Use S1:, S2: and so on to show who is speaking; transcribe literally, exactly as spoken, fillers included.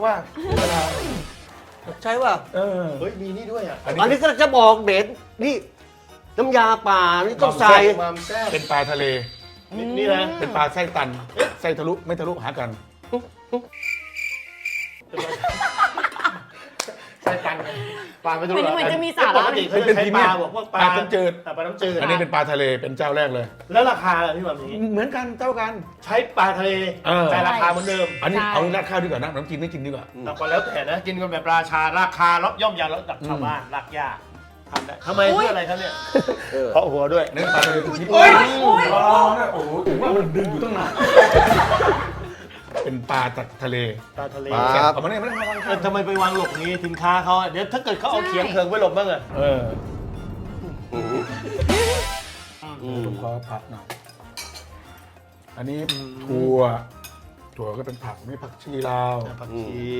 S1: ว่าเวลา
S2: ใช่ป่ะ
S1: เออ
S3: เฮ้ยมีนี่ด้วยอ่ะ
S2: อันนี้ก็จะบอกเด็ดนี่น้ำยาป่านี่ต้องใส่
S3: มามแซ่บ
S1: เป็นปลาทะเล
S3: นี่นี่นะ
S1: เป็นปลาไส้ตันไส้ทะลุไม่ทะลุหากัน
S3: ใส่กันปลาไม่รู้
S4: เหมือนเหมือนจะมีสาระ
S3: ปกติเขาจะใช้ปลาบอกว่าปลา
S1: ปลาน้ำจืด
S3: แต่ปลาน้ำจืด
S1: อันนี้เป็นปลาทะเลเป็นเจ้าแรกเลย
S3: แล้วราคาล่ะพี่แบบนี้
S1: เหมือนกันเท่ากัน
S3: ใช้ปลาทะเล
S1: เออ
S3: แต่ราคาเหมือนเดิม
S1: อันนี้
S4: ใช่
S1: เอาราดข้าวดีกว่านะน้ำจีนไม่กินดีกว่า
S3: แต่ก็แล้วแต่นะกินกันแบบราชาราคาล็อกย่อมยาวแล้วดับชาวบ้านรักยากทำได้ทำไมเพื่ออะไรครับเนี่ยเพราะหัวด้วย
S1: เนื้อปลาทะเลเป็นชิ้น
S4: โอ้ยโอ้ย
S1: อ๋อโอ้โหถึงว่ามันดึงอยู่ตั้งนานเป็นปลาจากทะเล
S3: ปลาทะเล
S1: แซ่บเอามาเนี่ยไม่ต้องมาวาง
S3: เอ
S1: ข้า
S3: อทำไมไปวางหลบนี้สินค้าเขาอะเดี๋ยวถ้าเกิดเขาเอาเขียงเคิงไว้หลบบ้างอะ
S1: เออผมขอผักหน่อยอันนี้ถั่วถั่วก็เป็นผักนี่ผักชีลาว
S3: ผักชี